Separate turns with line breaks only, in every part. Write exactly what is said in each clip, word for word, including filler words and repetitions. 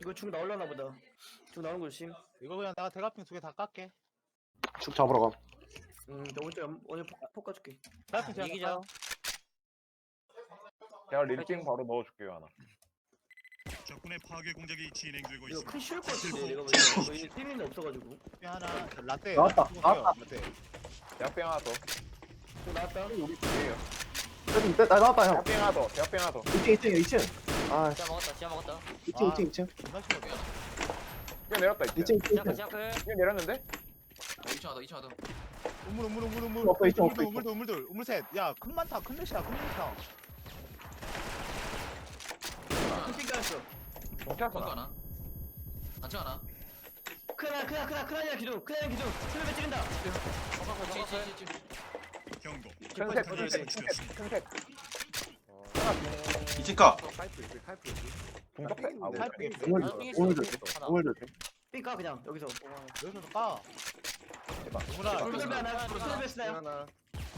이거 중 나올라나 보다. 중 나오는 거 조심.
이거 그냥 내가 대가핑 두 개 다 깎게.
축 잡으러 가.
음, 나 오늘 오늘 폭, 폭 가줄게.
대가핑 제가
이기자.
깎아요.
제가 릴핑 바로 넣어줄게요 하나.
적군의 파괴 공작이 진행되고
이거
있습니다.
큰 쉬울 것 같은데 내가 보니까 저희 팀이 없어가지고.
핑 하나 라떼.
나왔다,
라떼
나왔다.
라떼.
대학병 하나 더.
중 나왔다.
우리 둘이에요.
빼, 나 나왔다 형.
대학병 하나 더. 대학병 하나 더.
이 층 이 층 이 층. 아
지하 먹었다 지하 먹었다
이 층 이 층 이 층.
존나 심하게.
이거 내렸다
이
이제.
층 이 층.
지하 클 지하 클
이거 내렸는데?
이 층 하다 이 층 하다
우물 우물 우물 우물.
없어, 있어, 없어,
우물들 우물들 우물 셋. 야큰 많다 큰 넷이야 큰 넷이야.
큰핑 깔았어.
경찰서
건거
나.
하나 단층 하나
크나 크나 크나 크나냐 기둥. 크나냐 기둥. 틀에 찌른다.
찌찌찌찌
경고.
큰색
더 줘야
큰색
돼.
큰색 큰색. 하나 중.
이층가
중적대. 아 우리.
탈피.
오늘
아,
줄
핑했어.
오늘 줄
하나.
오늘 줄
삥 까 그냥 여기서.
여기서 까.
대박.
우물아.
돌배 하나. 돌배 쓰나요?
하나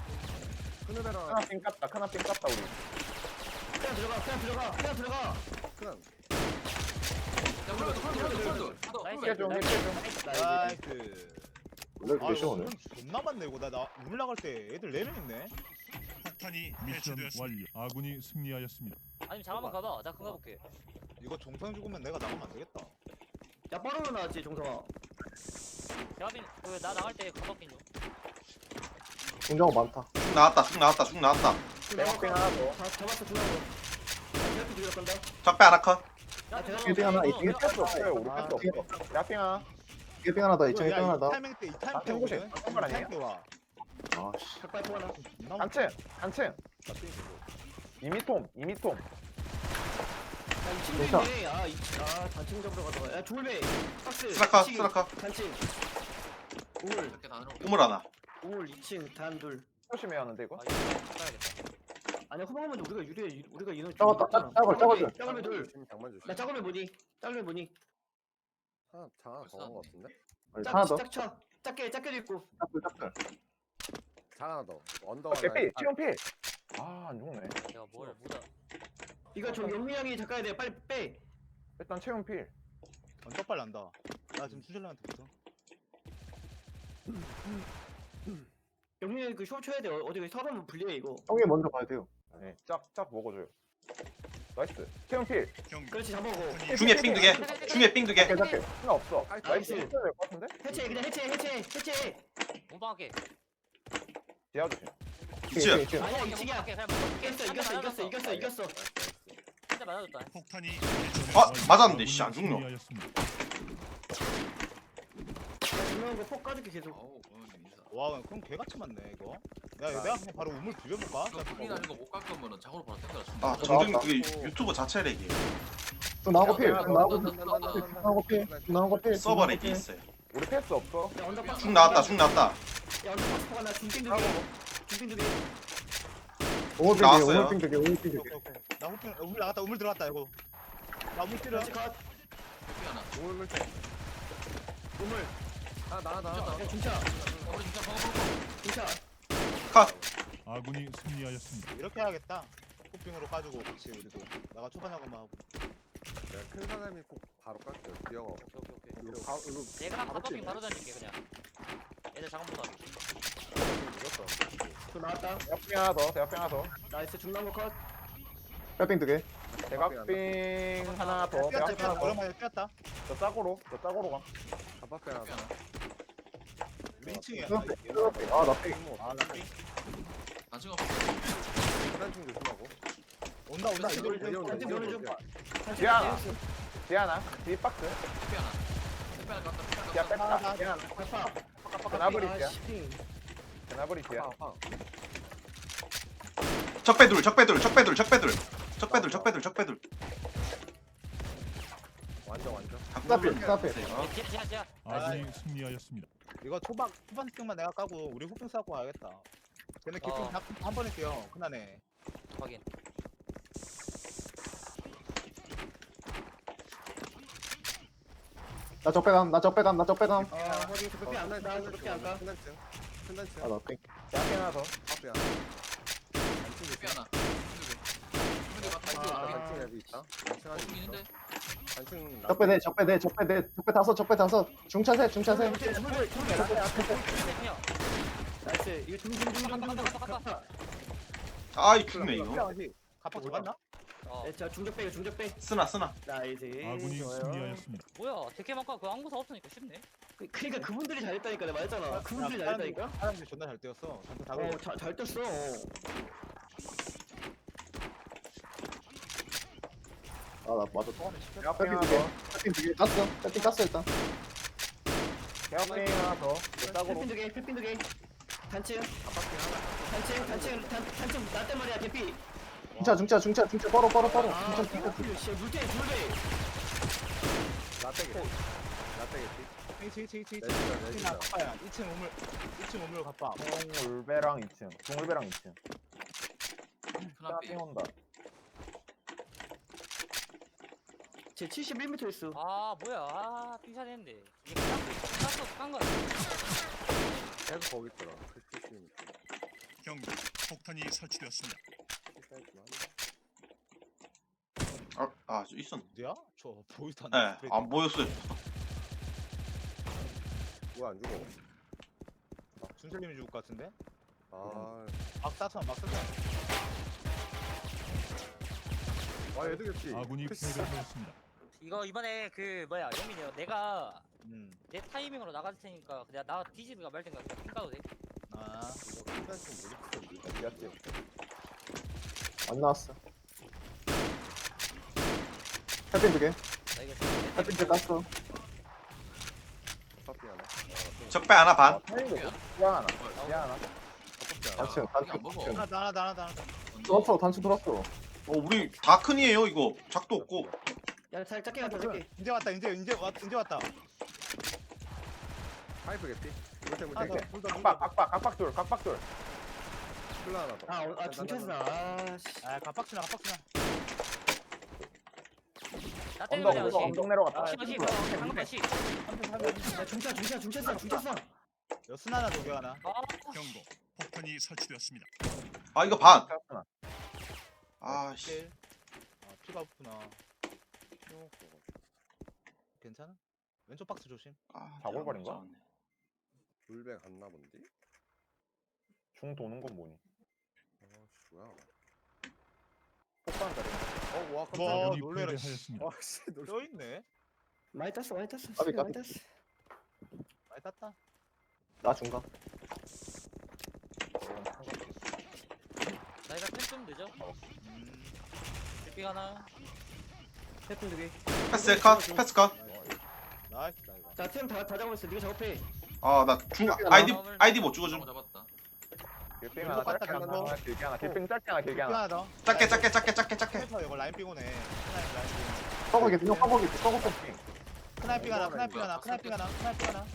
핑 깠다. 하나 핑 깠다 우리.
그냥 들어가. 그냥 들어가. 그냥 들어가.
야 풀어도 풀어도 풀어도
나이스
힐 좀, 힐 좀.
나이스.
나이스.
원래
아
그렇게
이거
오늘.
우물 존나 많네 이거 나 나 우물 나갈 때 애들 네 명 있네.
폭탄이
미션
해체되었습니다.
완료. 아군이 승리하였습니다.
아니면 잠깐만 가봐 나 그거 가볼게
이거 종성 죽으면 내가 나가면 안 되겠다.
야 빠르로 나왔지 종성아.
대화빈 그나 나갈 때 가볼게 좀
공정어 많다.
쭉 나왔다 쭉 나왔다 쭉 나왔다.
대학병 하나 더.
다 잡았어 중요한 거. 대학교 들어갈 건다.
적배 하나 컷.
야
대화-
일등 하나,
어,
일등
야,
패스 없어요. 우리
아,
패스 없어. 대학병 하나.
일 등 하나 더 이 층 일 등
야,
하나
이
더.
타이밍 때이 타이밍
아,
때
탱고시.
오거든.
탱고 아니에요?
타이밍 때 와.
아씨.
닭발 포 하나.
존나
단층. 단층. 이미톰. 이미톰.
야, 이 친구
괜찮아.
있네. 아, 이, 아, 단층 잡으러 가다가. 야, 졸배. 박스.
스라카
이층,
스라카.
단층. 우물.
이렇게 다 넣어놓을게
우물 하나.
우물 이 층, 단둘.
조심해야 하는데 이거.
아 이거 가야겠다
아니야, 후방하면 우리가 유리해. 우리가 인원 좀
작았다,
많잖아.
작- 작아, 작아져.
작으면 둘. 나 작으면 뭐니? 작으면 뭐니?
벌써
아니,
짝,
하나 더.
짝 쳐. 작게, 작게도 있고.
짝불 짝불.
어, 개피. 치온 피. 아, 안 죽네.
내가 뭘 못하
이거 저 영미 형이 작가야 돼. 빨리 빼.
일단 채용 필.
완전 빨리 난다. 나 지금 수질러한테 붙어.
영미 형이 그쇼 쳐야 돼. 어, 어디 서로 불리해 이거.
형이 먼저 가야 돼요.
네, 짝, 짝 먹어줘요. 나이스. 채용 필.
경고.
그렇지, 잡아고.
폭탄이
중에 삥 두 개. 중에 삥 두 개.
깨, 깨. 하나 없어. 나이스.
나이스.
해쳐야 될것 같은데?
해체, 그냥 해체, 해체, 해체.
몸빵할게
지하 조심.
이층.
이 층.
아니야, 이 층이야.
그냥 먹어
이겼어, 이겼어, 이겼어, 이겼어, 이겼어.
한대 맞아줬다
폭탄이
아
해체되었습니다.
맞았는데 씨 안 죽노.
승리하였습니다.
중요한 거폭 까줄게 계속.
어우 어, 인사.
와 그럼 개같이 많네 이거. 야 이거 내가 그냥 바로 우물 비벼볼까?
이거 풀이 나는 거못 깎으면은 장으로 바로 땡겨라
아 정준 그게 유튜브 자체 렉이
좀 나오고 필.
야,
좀 나오고 필.
나, 나, 나, 나,
좀 나오고 필. 좀 나오고 필.
서버 렉이 있어요.
우리 패스 없어.
야, 언더박스.
쭉 나왔다 쭉 나왔다.
야, 언더박스 포가 나 중딩 두 개. 중딩 두 개.
오물 핑
나왔어요.
오물 핑 두 개. 오물 핑 두 개.
오케이 오케이. 나 우물 우물 나갔다 우물 들어갔다 이거. 나 우물 뛰려.
그렇지, 컷.
풀이 하나
우물.
아 나나 나나
야, 중차.
우리 진짜 방어 방어
중차.
컷.
아군이 승리하였습니다.
이렇게 해야겠다. 호핑으로 까주고 같이 우리도. 나가 초반하고만 하고.
큰 사람이 꼭 바로 깎여. 기어가.
오케이 오케이
이거 바, 이거
내가 가볼게 바로 던질게 그냥 애들 장문도 하게
저 나왔다.
대학병 하나 더. 대학병 하나 더.
나이스, 중간 거 컷.
뼈핑 두 개.
대각빙 하나 더.
뛰었다
대각빙
뛰었다
하나 더.
오랜만에 뛰었다.
저 짝으로. 저 짝으로 가.
갑박배 하나.
풀이 하나
우리 이 층이야.
아, 나 핑.
아, 나 삥.
단층 없어
계단층 조심하고.
온다 온다
단층
이거
보내줘.
이거
단층 보내줘. 단층
지하.
보내줘.
지하나. 뒤박스.
풀이 하나 풀이 하나 깎다 풀이
지하
하나 깎다
뺐다. 지하.
아파.
전화버리
아,
지하.
씨.
전화버리 지하.
적배 둘 적배 둘 적배 둘 적배 둘 적배 둘 적배 둘 적배 둘.
완전 완전.
스타필, 스타필.
어?
지하 지하 지하
아군이 승리하였습니다.
이거 초반 초반 스틱만 내가 까고 우리 호핑 싸고 가야겠다. 걔네 기둥
어.
다한 번에 뛰어. 그나네.
확인
나 적배감, 나 적배감, 나 적배감.
아, 확인. 저 뼈안 나. 나 저렇게 안 가.
큰 단층. 큰 단층.
아, 나 핑.
대학병 하나 더.
갑박배 하나.
풀이 하나
단층
아.
단층 앱이 있다. 단층
어
안에
풀이
있어.
있는데
단층
적배대 적배대 적배대 적배 다섯 적배 다섯 중차세 중차세
그냥
나이스. 이거 중중중중중.
아이 죽네 이거.
갑박 잡았나?
어
네, 자 중적배 이거 중적배.
쓰나 쓰나.
나이스.
아군이
좋아요.
승리하였습니다.
뭐야 데케만과 그 항구사 없으니까 쉽네.
그- 그러니까 그분들이 잘했다니까 내가 말했잖아. 그분들이 잘했다니까.
사람들이 존나 잘 뛰었어. 전투 다
어,
걸려.
잘, 잘 떴어.
아나 맞아
대학생
빼핑
하나
두개
더.
빼핑 두개 깠어 빼핑 깠어 일단
대학생 하나 더. 짝으로.
햇핀 두 개, 햇핀 두 개. 단층, 단층, 단층, 단, 단층 나단 말이야, 개피.
중차 중차 중차 중차 뻘어 뻘어 뻘어
아,
중차 중차
개피. 씨, 물탱, 물배.
라떼기. 라떼기.
치, 치, 치, 치.
내주자
나
내주자.
갑박이야. 이 층 우물, 이 층 우물 갑박.
동울배랑 이 층 동울배랑 이 층
큰앞에
온다
제 칠십일 미터 있어.
아 뭐야 아 삐샷 했는데 이게 그냥 깠어 깐 거야.
계속 거기 있더라. 크리스티스.
경고. 폭탄이 설치되었습니다.
아, 아 있었네.
어디야? 저 보이도 안
예, 안 보였어요.
뭐안 죽어?
준철님이 죽을 것 같은데?
아.
막 쐈어, 막 쐈어.
아 얘도 겠지.
아군이 패배하였습니다.
이거 이번에 그 뭐야 영민이 형 내가
음.
내 타이밍으로 나갈 테니까 그냥 나 디지드가 말 텐가 그냥 핑 까도 돼?
아.
이거 끝날 좀 모르겠어. 미안해.
안 나왔어 빼핑 두개
나 이거
빼핑 두개 깠어
커피 하나.
적배 하나 반.
야 하나 야 하나 단층
이거
단층
안 먹어.
하나 더, 하나 더, 하나 더, 하나 더.
돌았어 단층 돌았어
어 우리 다 큰이에요 이거. 작도 없고.
야, 잘 작게 가자, 작게.
이제 왔다, 이제, 이제 왔, 이제 왔다.
파이프 겠지. 물때
하나
물때.
더, 물더,
각박
물더.
각박 각박돌 각박돌. 플라 하나 더.
아, 어, 아, 중차스나. 아, 씨.
아, 갑박치나, 갑박치나.
나 때문에
언덕
그냥
언덕 언덕 내려갔다
시 시 방금 시.
야, 중차, 중차, 중차스나, 중차스나.
여순 하나, 도개 하나.
아
경고. 폭탄이 설치되었습니다.
아 이거 반.
깠어
아 씨.
일. 아, 피가 없구나. 괜찮아? 왼쪽 박스 조심.
아,
자골발인가?
내가 못 잡았네.
물배 갔나 본데.
중 도는 건 뭐니
아씨 뭐야. 폭발 자리. 어, 와,
와,
깜짝이야.
아군이
놀래라, 씨.
패배하였습니다.
아, 씨, 놀.
뼈 있네.
많이 땄어, 많이 땄어.
까비,
많이
까비.
땄어.
많이 땄다.
나 중간
나 이거 템좀 늦어.
음.
삐 하나.
햇핀 두 개.
패스 컷. 패스 컷.
나이스, 나 이거.
자, 팀 다, 다 잡았어. 네가 작업해.
아나 중 아이디 아이디 못
잡아
죽어줌.
잡았다.
길빙
하나, 짧게 하나,
길게 하나 길빙 짧게 하나 길게
뼈 하나 더.
작게 작게 작게 작게 작게.
스나이퍼 이거 라인 삐고네. 스나이퍼 라인 삐고.
서버기 형 서버기 서버 빼핑
스나이핑 하나, 스나이핑 하나, 스나이핑 하나, 스나이핑 하나.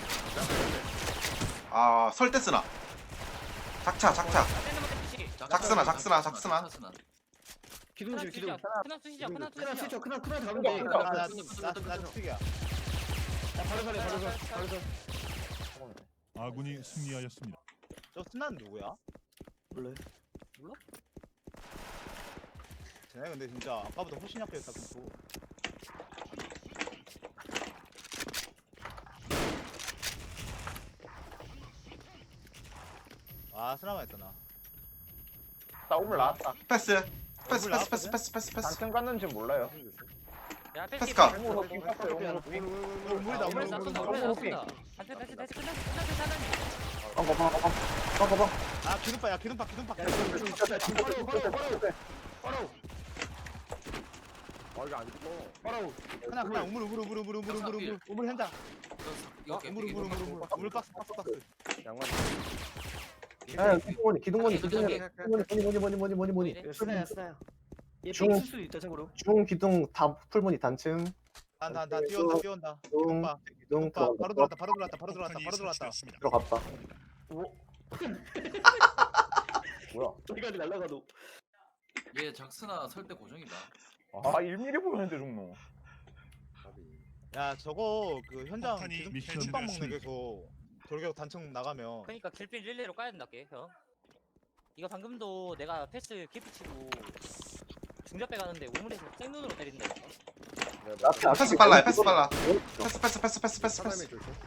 아 설대 쓰나. 작차 작차.
시.
작스나, 작스나, 작스나.
작스나.
기둥 줄, 기둥.
크나 수시자 크나
크나
수시자.
스위쳐, 크나, 크나 잡으면 돼.
나, 나, 나, 나, 나 튀기야.
야, 바로 서래, 바로 서, 바로 서.
아군이 승리하였습니다.
저 스나는 누구야?
몰라요.
쟤네 근데 진짜 아까보다 훨씬 약했다 kumfu. 아 스나만 했다 나.
나 오물 나왔다
패스. 패스 패스 패스 패스 패스 패스.
단층 갔는지 몰라요
야 패스.
패스카.
땡으로 빙 깠어요 오물 빙
물이다
우물
물.
쐈어.
물,
우물
물,
쐈어. 한테 패스 패스 끝났어. 끝났어. 끝났어.
빵거 빵거 빵거 빵거 빵
아 기둥파 야 기둥파 기둥파.
야, 중, 중, 중, 중, 바로, 바로, 바로. 바로,
아, 이거 안 죽어.
바로.
하나 하나 우물 우물 우물 우물 우물 우물 우물 우물 현장.
이거
어, 우물 우물 우물 우물 우물 박스 박스 박스.
양말.
야 기둥머니 기둥머니 기둥머니
저기,
기둥머니 뭐니 뭐니 뭐니 뭐니 뭐니
이거 스나야, 스나야. 얘
중.
빙 쓸 수도 있다, 참고로.
중 기둥 다 풀무늬 단층
난난난 뛰어온다 뛰어온다.
기둥
기둥파
기둥
기둥파 바로
들어갔다
들어왔다 바로 들어왔다 바로 들어왔다
폭탄이
바로 들어왔다.
설치되었습니다.
들어갔다
오,
뭐야
저기까지 날라가도.
얘 작스나 설대 고정이다.
아 일 밀리미터 보였는데 종로
야 저거 그 현장
폭탄이
기둥
미션
기둥빵 먹네
됐습니다.
계속. 돌격 단층 나가면.
그러니까 길빈 릴레이로 까야 된다게 형. 이거 방금도 내가 패스 깊이 치고 중잡배 가는데 우물에서 생눈으로 때린다.
앞에
패스 빨라 해, 패스 빨라. 패스 패스 패스 패스 패스
사다미
패스.
조심.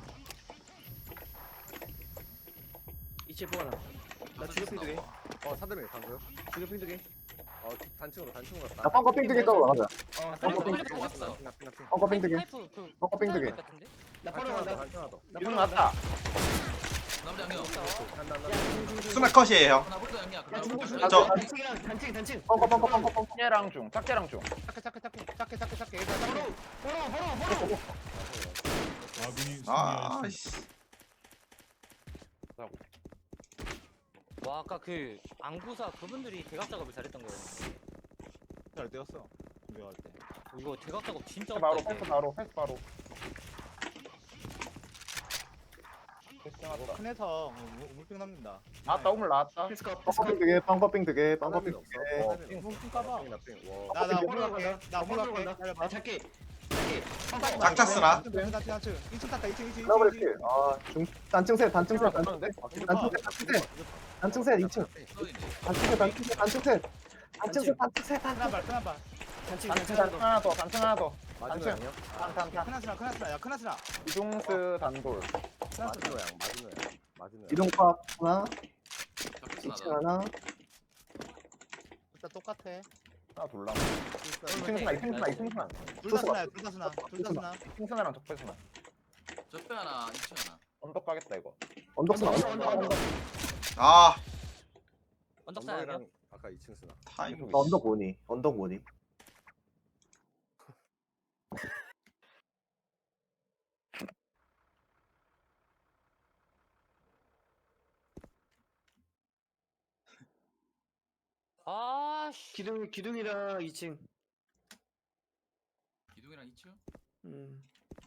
이체 포가 나. 나 주격핑 두 개.
어 사다미 방금.
주격핑 두 개.
어 단층으로 단층으로 갔다.
나 펑커 핑 두개 떠고 나가자.
어,
빨리
펑커 핑.
빨리 빨리
핑, 핑, 핑, 핑.
펑커 핑 두개.
파이프 그
펑커 핑 두개.
같은데?
나
단층
바로
하나 더,
간다.
단층 하나 더.
나
이동
바로 간다.
났다.
남자 양념.
간다, 간다.
스나 컷이에요.
하나 볼까 양이야.
야, 중국 중국.
저-
단층이랑 단층 단층.
펑커 펑커 펑커 펑커.
작게랑 중, 작게랑 중. 작게, 작게, 작게, 작게, 작게, 작게. 일단 작게.
바로 바로 바로 바로.
아군이
아,
승리하였습니다.
씨.
와 아까 그 안구사 그분들이 대각 작업을 잘했던 거예요.
잘 되었어. 준비할 때.
이거 대각 작업 진짜
바로,
어렵다,
패스
이게.
바로, 패스 바로. 큰에서 우물병 남긴다. 나왔다, 우물 나왔다.
패스컷
펑커 핑
패스컷.
두개 펑커 핑 두개 펑커
사다미
핑
없어.
두개.
사다미
핑,
없어.
핑 까봐.
핑, 나 핑. 와.
나, 나 우물
바로
갈게.
간다.
나 우물
바로
갈게.
간다.
기다려봐.
아 작게. 작게. 펑커.
짝짝스나.
이 층 탔다, 이 층, 이 층.
더블 킬. 아, 중 단층 셋, 단층 셋, 단층 셋. 단층 셋, 단층 셋. 단층 셋 이 층. 단층 셋, 단층 셋, 단층 셋. 단층 셋, 단층 셋, 단층
하나 발, 하나 발.
단층
단층,
단층
단층 하나 더, 단층 하나 더.
마지노 양이요?
단층. 크나스나, 크나스나, 야, 크나스나.
이중스 단돌.
마지노 양, 마지노 양. 마지노 양.
이동파 하나, 이 층
층
하나.
일단 똑같아.
하나 돌라.
이
이층 스나, 이층 스나, 이층 스나.
둘 다 스나야, 둘 다 스나. 둘 다 스나.
이층 스나랑 적배 스나.
적배 하나, 이층 하나.
언덕 가겠다 이거.
언덕스
언덕,
나와.
언덕, 언덕.
아,
언덕사야
언덕이랑 아까 이 층 쓰나.
타이밍.
나 언덕 뭐니? 언덕 뭐니?
아씨
기둥 기둥이랑 이 층.
기둥이랑 이층.
음.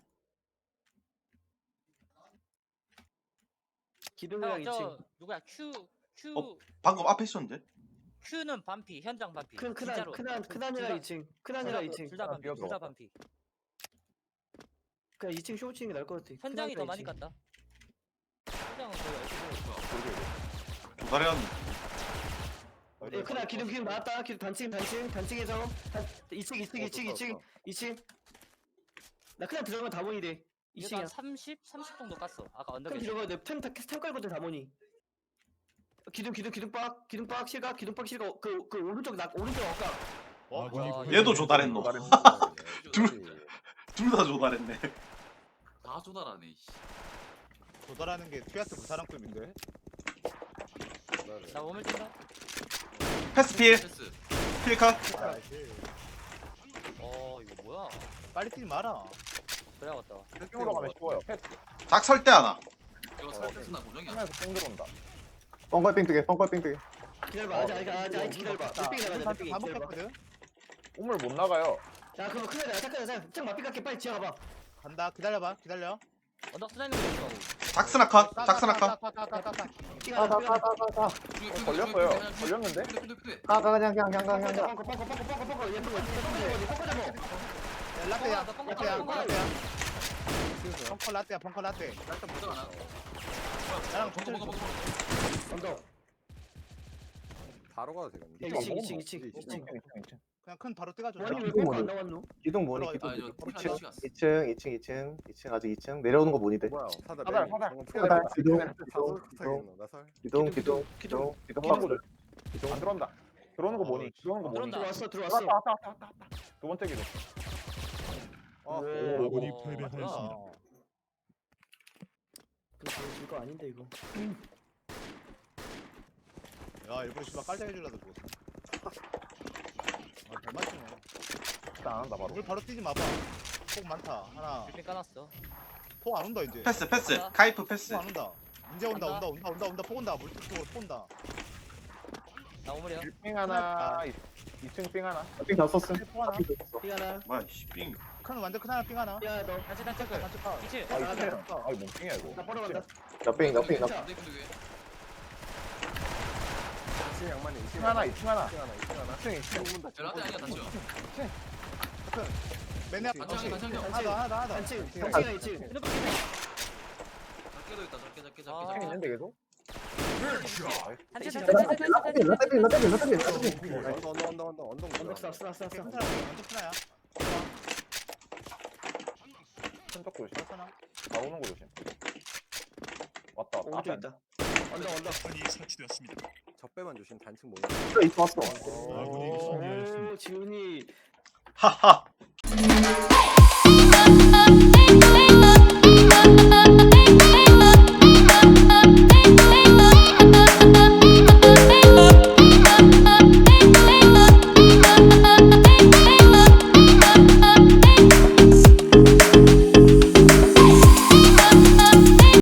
기둥이랑 이
저
층.
누구야 Q Q
어? 방금 앞에 있었는데?
Q는 반피 현장 반피
큰 크단
진짜로.
크단
둘-
크단이랑
둘
이
다-
층. 크단이랑 이 층.
둘 다 반피
비어서
둘 다
먹었다.
반피
그냥 이 층 쇼 치는 게 나을 것 같아.
현장이 더
크단이랑
많이
이 층.
갔다 현장은 거의 알고
도다리언.
예, 크단 기둥 기둥 나왔다. 기둥 단층 단층 단층에서 단 이 층 이 층 이 층 이 층 이 층. 나 크단 들어가면 다 모니 돼. 이
이거
층이야.
한 삼십 삼십 정도 깠어 아까
큰
언덕에
들어가야 돼. 템템 깔거든 다 모니. 기둥 기둥 기둥박 기둥박 실각 기둥박 실각 그그 오른쪽 나 오른쪽 어까.
아군이
와,
패배하였습니다.
얘도 조달했노.
둘.
둘 다 조달했네.
다 조달하네. 씨.
조달하는 게 튜아스 그 사람급인데.
나 오물 뛴다
패스 필.
패스.
필 컷.
어 이거 뭐야
빨리 뛰지 마라.
그래야겠다
층으로 가면 쉬워요. 패스.
작 설 때 하나.
이거 살패스나 고정이야.
하면서 층 들어온다.
펑커 핑 두개, 펑커 핑 두개.
기다려봐. 아직 아직 아직 아직 기다려봐. 넷빙이 나가자. 넷빙이
다
기다려봐.
먹혔거든.
우물 못 나가요.
야 그럼 큰일 나. 잠깐 잠깐. 짱 맞비 깎게 빨리 지어가봐.
간다. 기다려봐. 기다려.
언덕 쓰나 있는 거 있어
작스나 컷. 작스나 컷.
까까까까까까.
삐가
가, 가,
삐가.
가, 가, 가.
걸렸어요. 걸렸는데?
가, 가, 그냥, 그냥, 그냥, 그냥,
뻥커
그냥.
뻥커 뻥커 뻥커 뻥커 뻥커. 얘 뻥커 뻥커 잡어.
야, 라떼야.
나 뻥커,
라떼야.
뻥커.
라떼야. 펑커 라떼야. 펑커 라떼.
일단 보자 하나.
나랑
먹어 먹어 먹어.
언덕.
바로 가도 되겠는데.
야, 이 층, 이 층, 이 층, 이 층.
그냥 큰 바로 뛰가줘.
원이 왜
기둥
뻥커 안
뭐니?
나왔노?
기둥 뭐니?
아,
기둥
아, 이거
뭐니?
폴
이 층,
하나씩 왔어.
이 층, 이 층, 이 층, 이 층 아직 이 층 내려오는 거 뭐니 돼?
뭐야? 사다
사달,
매일.
사달.
방금
사달,
피가
기둥,
나서
기둥,
붙어있는 나 설.
기둥, 기둥, 기둥, 기둥 박스.
안 들어온다. 들어오는 거 뭐니? 들어오는 거 뭐니?
들어온다.
들어왔어
들어왔다,
들어왔어.
왔다, 왔다, 왔다, 왔다. 두 번째 기둥.
어,
오.
아군이
어,
패배하였습니다.
그거 이거 아닌데 이거.
야, 일부러 씨발 깔짝해 주려고 죽었어. 아, 잘 맞추네.
일단 안 한다 바로.
물 바로 뛰지 마봐. 폭 많다. 하나.
빌딩 까놨어
폭 안 온다 이제.
패스 패스. 카이프 패스.
폭 안 온다. 이제 온다.
간다.
온다. 온다. 온다. 온다. 폭 온다. 물쪽 쪽으로 폭 온다.
나 오물이야
빙 하나, 이 층 빙 하나.
빙 다 썼음.
폭 하나.
빙 다 썼어.
삐 하나.
뭐야 씨 빙.
큰 완전 큰 하나 삥 하나.
야 너.
단체 단체 끌
단체 파.
이치
아, 이
나가자.
층이야. 아, 이거 뭔 빙이야 이거.
나 바로 간다.
나 빙, 나 빙, 나
자.
근데 근데 왜?
이 층 양만이 이 층
층 하나, 이 층 하나.
이 층 하나, 이 층 하나.
이 층, 이 층.
죽는다.
라떼 아니야 단층.
맨 앞에
단층
단층.
단층.
하나 더 하나 더 하나 더.
단층 단층이랑 이 층.
핸드폰 끼네
작게도 있다. 작게 작게
아.
작게
층
작게.
있는데 계속?
단체
나
단체
나
단체
빙, 나 빙, 나 빙, 나 빙, 나 빙, 나 빙.
언덕, 언덕, 언덕, 언덕, 언덕.
언덕 써 써, 써, 써,
큰
써.
사람 완전 큰 하야.
조심.
괜찮아.
다 오는 거 조심. 왔다 왔다. 앞에
오른쪽 있다. 언덕 언덕.
폭탄이 설치되었습니다.
적배만 조심 단층 모이
있어 있어 왔어.
아군이 승리하였습니다.
오 지훈이
하하